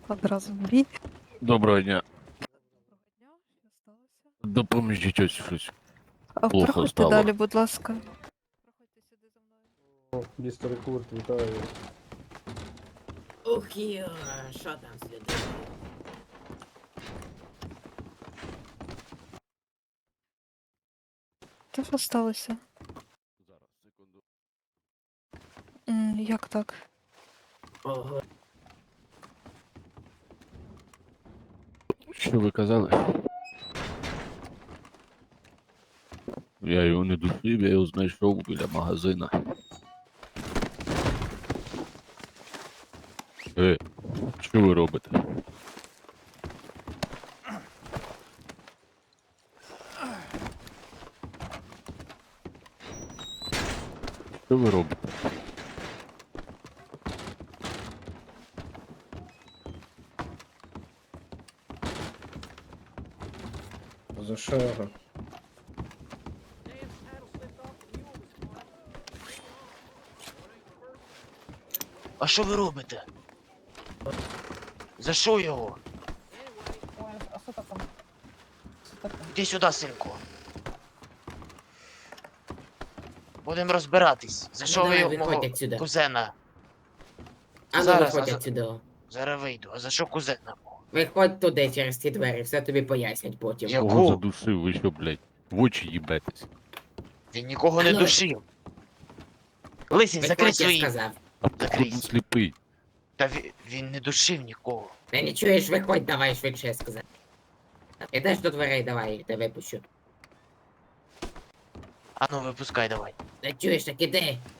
Одразу в бій. Доброго дня. Доброго дня, що сталося? Допоможіть ось щось. А Плохо проходьте стало. далі, будь ласка. Проходьте сюди за мною. О, містер Курт, вітаю. Ух, йо, що там слід? Та що сталося? Зараз, секунду. Як так? Ого, Що ви казали? Я його не душив, я його знайшов біля магазина. Що ви робите? Що ви робите? За що його? А що ви робите? За що його? Іди сюди, синку. Будемо розбиратись. За що ви давай, його виходь мого отсюда. кузена? А ну Зараз, виходь а за- отсюди. Зараз вийду. А за що кузена мого? Виходь туди через ті двері, все тобі пояснять потім. Я- Кого Яку? задушив? Ви що, блядь? В очі їбетесь. Він нікого не Ну, душив. Лисий, закрий Виходь, я свої. сказав. А походу сліпий. Та він не душив нікого. Ти не чуєш, виходь, давай швидше, я сказав. Ідеш до дверей, давай, я тебе випущу. А ну випускай давай. Не чуєш, так іди.